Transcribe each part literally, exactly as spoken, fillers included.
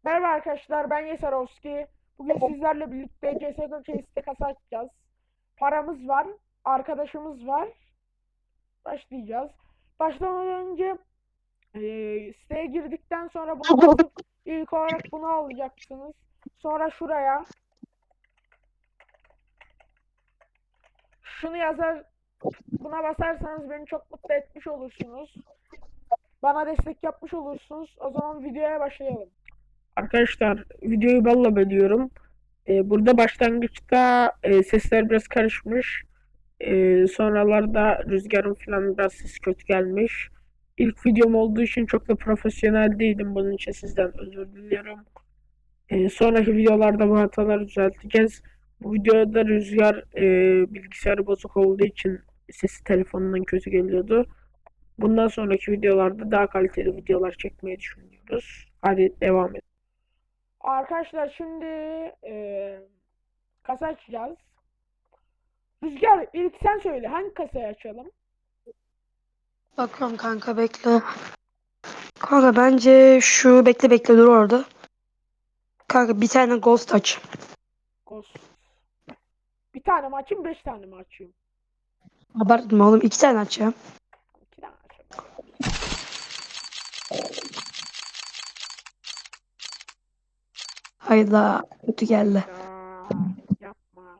Merhaba arkadaşlar, ben Yesarovski. Bugün sizlerle birlikte C S G O Case'de kasa açacağız. Paramız var, arkadaşımız var. Başlayacağız. Başlamadan önce eee siteye girdikten sonra buna basıp ilk olarak bunu alacaksınız. Sonra şuraya şunu yazar, buna basarsanız beni çok mutlu etmiş olursunuz. Bana destek yapmış olursunuz. O zaman videoya başlayalım. Arkadaşlar videoyu balla bölüyorum. Ee, burada başlangıçta e, sesler biraz karışmış. Ee, sonralarda rüzgarın falan biraz ses kötü gelmiş. İlk videom olduğu için çok da profesyonel değilim. Bunun için sizden özür diliyorum. Ee, sonraki videolarda bu hataları düzelteceğiz. Bu videoda rüzgar e, bilgisayarı bozuk olduğu için sesi telefonundan kötü geliyordu. Bundan sonraki videolarda daha kaliteli videolar çekmeyi düşünüyoruz. Hadi devam edelim. Arkadaşlar şimdi e, kasa açacağız. Rüzgar ilk sen söyle hangi kasayı açalım? Bakıyorum kanka bekle. Kanka bence şu bekle bekle dur orada. Kanka bir tane ghost aç. Ghost. Bir tane mi açayım beş tane mi açayım? Abartma oğlum iki tane aç ya. İki tane açayım hadi. Hayda kötü geldi. Ya yapma.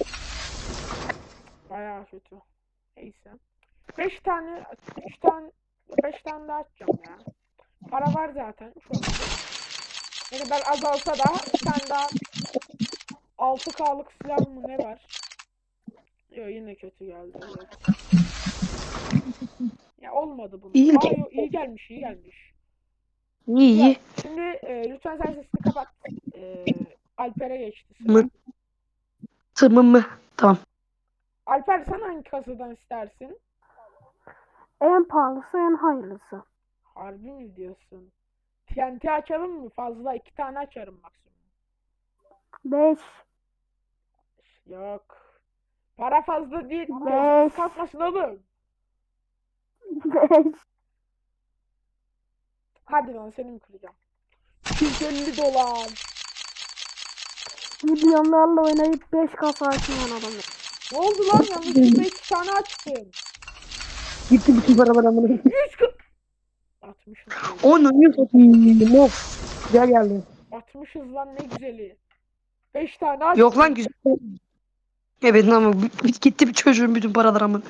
Bayağı kötü. Neyse. Beş tane, üç tane, beş tane daha açacağım ya. Para var zaten şu anda. Ne kadar azalsa da bir tane daha altı kalık silah mı ne var? Yo yine kötü geldi evet. Ya olmadı bunun. İyi Aa yo iyi gelmiş iyi gelmiş. iyi Güzel. iyi. Şimdi e, lütfen sen sesini kapat. E, Alper'e geçti Mı sıra. tımı mı? Tamam. Alper sen hangi kasadan istersin? En pahalısı en hayırlısı. Harbi mi diyorsun? T N T açalım mı? Fazla iki tane açarım maksimum. Beş. Yok. Para fazla değil. Gözümüz Beş. kalkmasın oğlum. Beş. Hadi lan seni mi kıracağım? iki yüz elli dolar. Milyonlarla oynayıp beş kasa açmayan adamı. Ne oldu lan? Yanlışlıkla iki tane açtım. Gitti bütün paralar amına. yüz kırk. altmışız. Onu niye satayım? Of. Güzel geldi. altmışız lan ne güzeli. beş tane Yok lan açtım. güzel. Evet ama b- b- gitti bir çocuğun bütün paralar amına.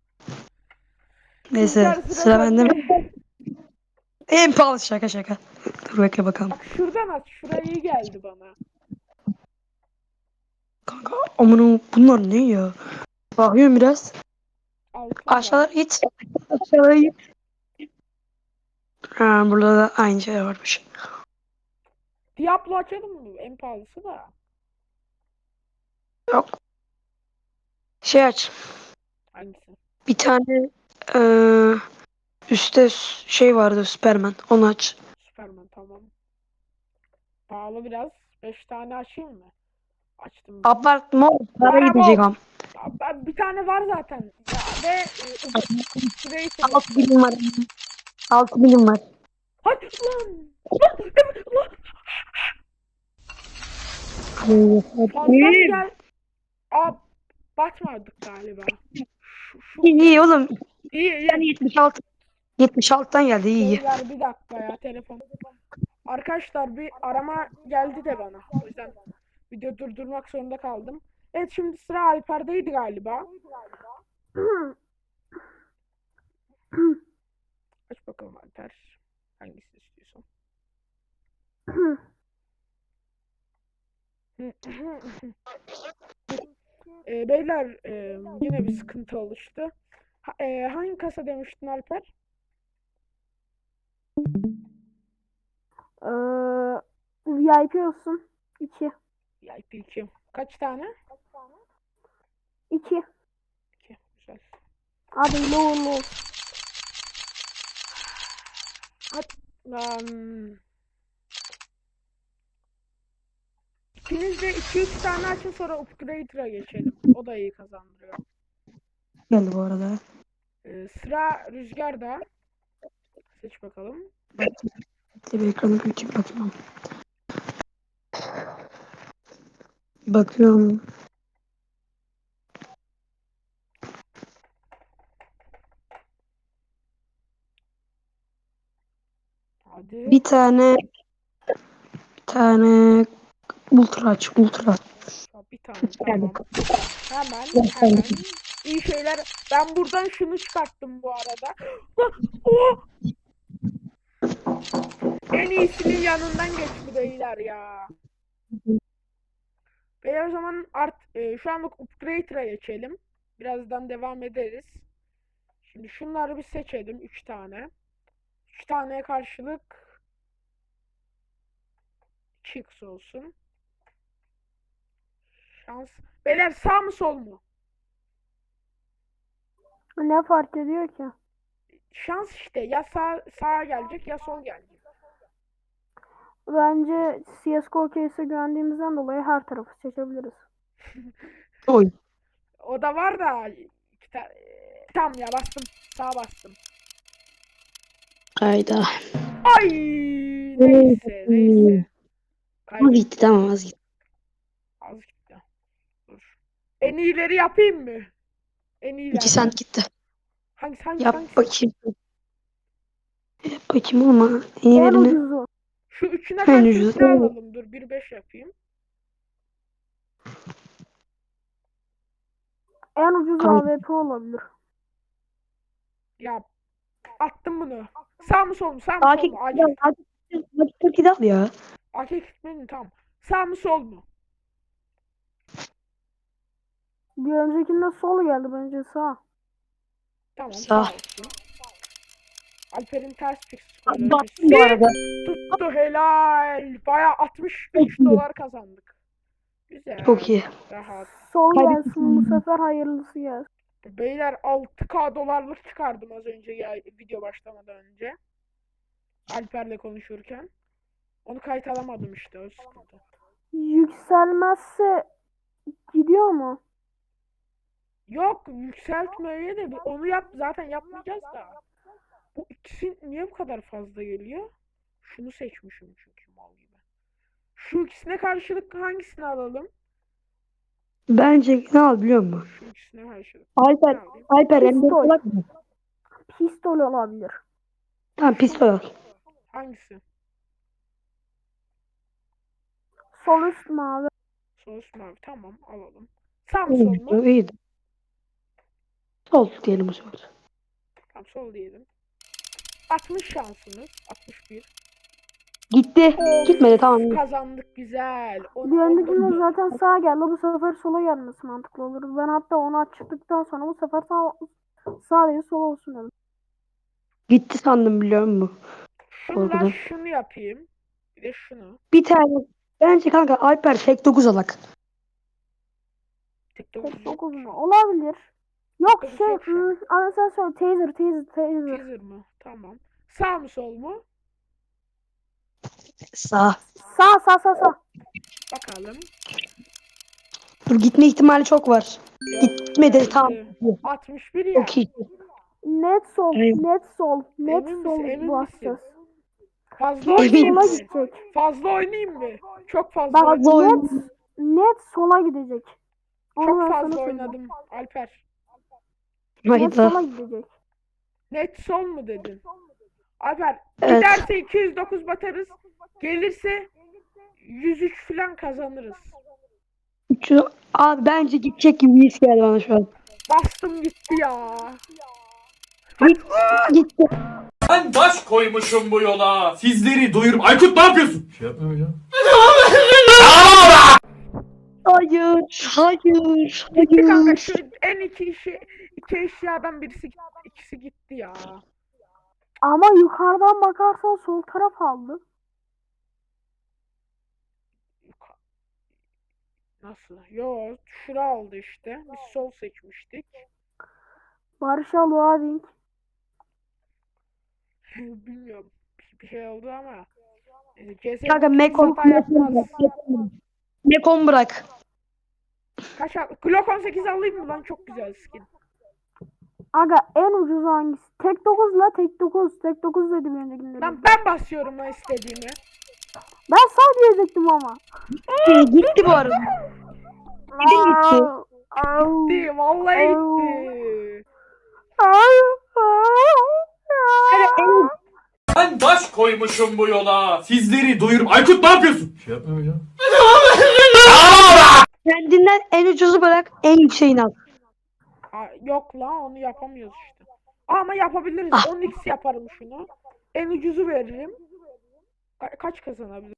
Neyse Rüzgar sıra sıra bende mi? sende. En pahalı şaka şaka. Dur bekle bakalım. Bak şuradan aç. Şuraya iyi geldi bana. Kanka amına bunlar ne ya? Bakıyorum biraz. Altın var. Aşağılara git. Aşağılara git. Ha, burada da aynı şey varmış. Diablo açalım mı? En pahalısı da. Yok. Şey aç. Hangisi? Bir tane eee üstte s- şey vardı Superman. Onu aç. Superman tamam. Pahalı biraz. beş tane açayım mı? Açtım bile. Abartma. Para Para gidecek bol. am. Ya ben bir tane var zaten. Ya ve e, Creator Altı yapacağız. bilim var. Altı bilim var. Hadi lan. Lan. Evet, lan. Fazla mı İyi gel? Aa batmadık galiba. Şu, şu iyi iyi geldi. oğlum. İyi Yani iyi. yetmiş altı. yetmiş altıdan geldi iyi iyi. Beyler bir dakika ya telefon. Arkadaşlar bir arama geldi de bana. O yüzden video durdurmak zorunda kaldım. Evet şimdi sıra Alper'deydi galiba. Aç bakalım Alper. Hangisini istiyorsan. e, beyler e, yine bir sıkıntı oluştu. Ha, e, hangi kasa demiştin Alper? Ee, V I P olsun. İki. Ya iki. Kaç tane? İki. İki. Güzel. Hadi uğurlu olsun. Hadi lan. İkiniz de iki üç tane açın sonra Upgrader'a geçelim. O da iyi kazandırıyor. Geldi bu arada. Ee, sıra Rüzgar'da. Seç bakalım. Bekle bir ekranı büyüteyim bakayım. Bakıyorum. Hadi. Bir tane bir tane ultra aç. Ultra. Ha, bir tane Yani tamam. Hemen hemen. İyi şeyler. Ben buradan şunu çıkarttım bu arada. Lan, oh! En iyisinin yanından geçti beyler ya. Beyler o zaman art e, şu anlık upgrade'e geçelim. Birazdan devam ederiz. Şimdi şunları bir seçelim. Üç tane. Üç taneye karşılık Chicks olsun. Şans. Beyler sağ mı sol mu? Ne fark ediyor ki? Şans işte. Ya sağ sağa gelecek ya sol gelecek. Bence C S G O case'e güvendiğimizden dolayı her tarafı seçebiliriz. oy. O da var da iki ta- e, tamam ya bastım. Sağa bastım. Hayda. Ay neyse neyse. Az Kaybettim. gitti tamam az gitti. Az gitti. Dur. En iyileri yapayım mı? En iyiler. İki sent gitti. Hangisi hangisi Yap hangisi? bakayım. Yap bakayım ama en En iyilerini ucuzu. Şu üçüne en karşılık ucuzu. ne alalım? Dur bir beş yapayım. En ucuz Ay. A W P olabilir. Ya attım bunu. Sağ mı sol mu? Sağ mı sol Akif mu? Acil. Akif Akif al ya. Akif gitmedi tamam. Sağ mı sol mu? Bir öncekinde sol geldi bence sağ. Tamam Sağ. sağ olsun. Alper'in ters fix Baktım bu arada. tuttu helal. Baya altmış üç dolar kazandık. Güzel. Çok iyi. Rahat. Sol Kaybettik. gelsin bu sefer hayırlısı gelsin. Beyler altı K dolarlık çıkardım az önce ya video başlamadan önce. Alper'le konuşurken. Onu kayıt alamadım işte o sıkıntı. Yükselmezse gidiyor mu? Yok yükseltmeye de bir- onu yap zaten yapmayacağız da. Bu ikisi niye bu kadar fazla geliyor? Şunu seçmişim çünkü mal gibi. Şu ikisine karşılık hangisini alalım? Bence ne al biliyor musun? Şu ikisine karşılık. Alper, Ne alayım? Alper M dört Pistol. kulak mı? Pistol olabilir. Tamam pistol al. Hangisi? Sol üst mavi. Sos mavi. Tamam alalım. Sağ mı sol mu? İyiydi. İyiydi. Sol diyelim o zaman. Tamam sol diyelim. altmış şansınız. altmış bir. Gitti. Gitmedi tamam. Kazandık güzel. On, Bir on öncekinde dokuz. zaten sağ geldi. Bu sefer sola gelmesi mantıklı olur. Ben hatta onu açtıktan sonra bu sefer sağ, sağ değil sol olsun dedim. Gitti sandım biliyor musun? Şunla Korkudan. şunu yapayım. Bir de şunu. Bir tane. Bence kanka Alper tek dokuz alak. Tek dokuz Tek yok. dokuz mu? Olabilir. Yok Dokuz şey, yok şu an. hmm, ama sen söyle taser taser taser. Teaser mı? Tamam. Sağ mı sol mu? Sağ. Sağ sağ sağ sağ. Bakalım. Dur gitme ihtimali çok var. Gitmedi tamam. altmış bir ya. Çok iyi. Net sol, Evet. net sol, net Emin sol misin, emin basacağız. Fazla Net oynayayım sola mı? gidecek. Fazla oynayayım mı? Çok fazla Bak oynadım. Fazla net, oyun. net sola gidecek. Onu Çok ben sana fazla söyleyeyim. oynadım Alper. Net sola Hayda. gidecek. Net sol mu dedin? Alper Evet. giderse iki yüz dokuz batarız. Gelirse yüz üç falan kazanırız. Şu, abi bence gidecek gibi bir his geldi bana şu an. Bastım gitti ya. Git, gitti. Ben baş koymuşum bu yola. Sizleri doyurup... Aykut ne yapıyorsun? Şey yapmıyorum hocam. Hayır, hayır, Gitti kanka hayır. şu en iki işi iki eşyadan birisi gitti, ikisi gitti ya. Ama yukarıdan bakarsan sol taraf aldı. Nasıl? Yo, şura aldı işte. Biz sol seçmiştik. Barış'a loading. Bilmiyorum. Bir, bir şey oldu ama. E, C S Kanka Mekon, hata yapmaz. Mekon bırak. Kaç al? Glock on sekiz alayım mı lan? Çok güzel skin. Aga en ucuz hangisi? Tek dokuz la tek dokuz. Tek dokuz dedi bir öncekinde. Lan ben basıyorum lan istediğimi. Ben sağ diyecektim ama. Gitti bu arada. gitti. Au. Gitti. Vallahi Au. gitti. Evet, en, Ben taş koymuşum bu yola. Sizleri doyurup... Aykut ne yapıyorsun? Şey yapmıyorum hocam. kendinden en ucuzu bırak, en yükseğini al. Aa, yok la onu yapamıyoruz işte. Ama yapabiliriz. Ah. on x yaparım şunu. En ucuzu veririm. Ka- kaç kazanabilirim?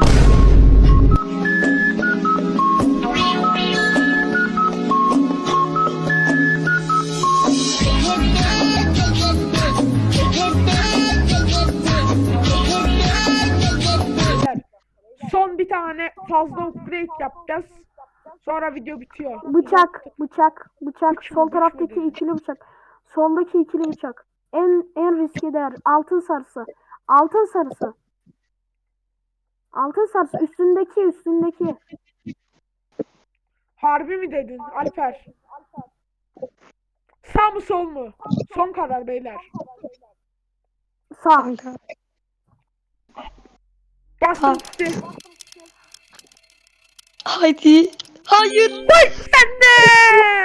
Beyler, son bir tane fazla upgrade yapacağız. Sonra video bitiyor. Bıçak, bıçak, bıçak. Üç mü, Sol üç mü taraftaki dedin? ikili bıçak. Soldaki ikili bıçak. En en riskli değer. Altın sarısı. Altın sarısı. Altın sarısı. Üstündeki, üstündeki. Harbi mi dedin Alper? Sağ mı sol mu? Son karar beyler. Sağ. Kanka. Bastım Ha. gitti. Haydi. Hayır. Sen de!